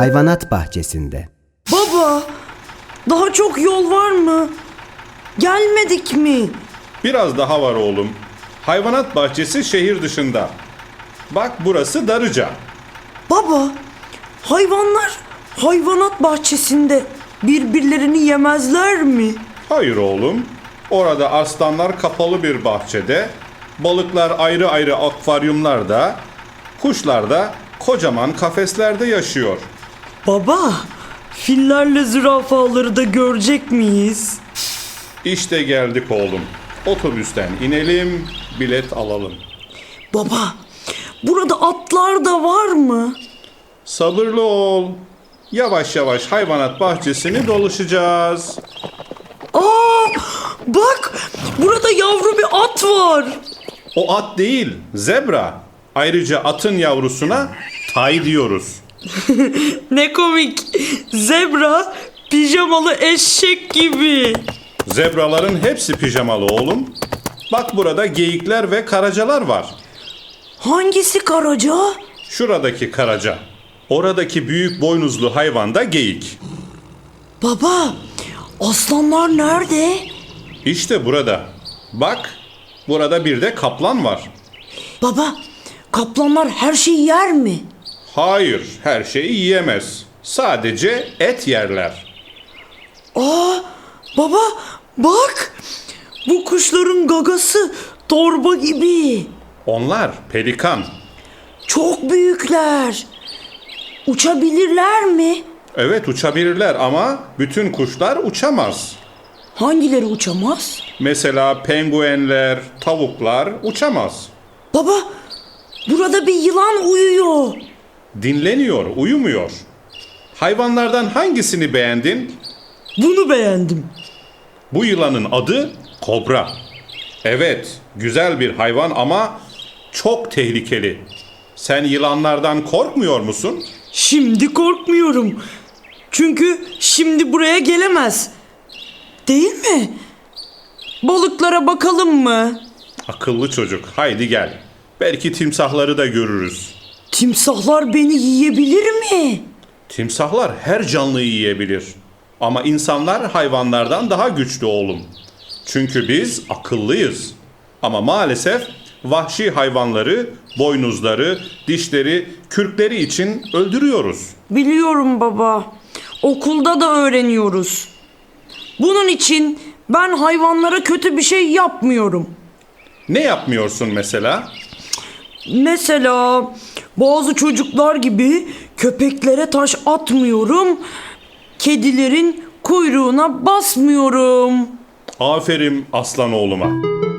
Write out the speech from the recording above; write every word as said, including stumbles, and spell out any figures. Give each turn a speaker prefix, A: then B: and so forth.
A: hayvanat bahçesinde.
B: Baba, daha çok yol var mı? Gelmedik mi?
C: Biraz daha var oğlum. Hayvanat bahçesi şehir dışında. Bak burası Darıca.
B: Baba, hayvanlar hayvanat bahçesinde birbirlerini yemezler mi?
C: Hayır oğlum. Orada aslanlar kapalı bir bahçede, balıklar ayrı ayrı akvaryumlarda, kuşlar da kocaman kafeslerde yaşıyor.
B: Baba, fillerle zürafaları da görecek miyiz?
C: İşte geldik oğlum. Otobüsten inelim, bilet alalım.
B: Baba, burada atlar da var mı?
C: Sabırlı ol. Yavaş yavaş hayvanat bahçesini dolaşacağız.
B: Aa, bak, burada yavru bir at var.
C: O at değil, zebra. Ayrıca atın yavrusuna tay diyoruz.
B: Ne komik. Zebra pijamalı eşek gibi.
C: Zebraların hepsi pijamalı oğlum. Bak burada geyikler ve karacalar var.
B: Hangisi karaca?
C: Şuradaki karaca. Oradaki büyük boynuzlu hayvan da geyik.
B: Baba, aslanlar nerede?
C: İşte burada. Bak, burada bir de kaplan var.
B: Baba, kaplanlar her şeyi yer mi?
C: Hayır, her şeyi yiyemez. Sadece et yerler.
B: Aa, baba, bak. Bu kuşların gagası torba gibi.
C: Onlar pelikan.
B: Çok büyükler. Uçabilirler mi?
C: Evet uçabilirler ama bütün kuşlar uçamaz.
B: Hangileri uçamaz?
C: Mesela penguenler, tavuklar uçamaz.
B: Baba, burada bir yılan uyuyor.
C: Dinleniyor, uyumuyor. Hayvanlardan hangisini beğendin?
B: Bunu beğendim.
C: Bu yılanın adı kobra. Evet, güzel bir hayvan ama çok tehlikeli. Sen yılanlardan korkmuyor musun?
B: Şimdi korkmuyorum. Çünkü şimdi buraya gelemez. Değil mi? Balıklara bakalım mı?
C: Akıllı çocuk, haydi gel. Belki timsahları da görürüz.
B: Timsahlar beni yiyebilir mi?
C: Timsahlar her canlıyı yiyebilir. Ama insanlar hayvanlardan daha güçlü oğlum. Çünkü biz akıllıyız. Ama maalesef vahşi hayvanları, boynuzları, dişleri, kürkleri için öldürüyoruz.
B: Biliyorum baba. Okulda da öğreniyoruz. Bunun için ben hayvanlara kötü bir şey yapmıyorum.
C: Ne yapmıyorsun mesela?
B: Mesela bazı çocuklar gibi köpeklere taş atmıyorum. Kedilerin kuyruğuna basmıyorum.
C: Aferin aslan oğluma.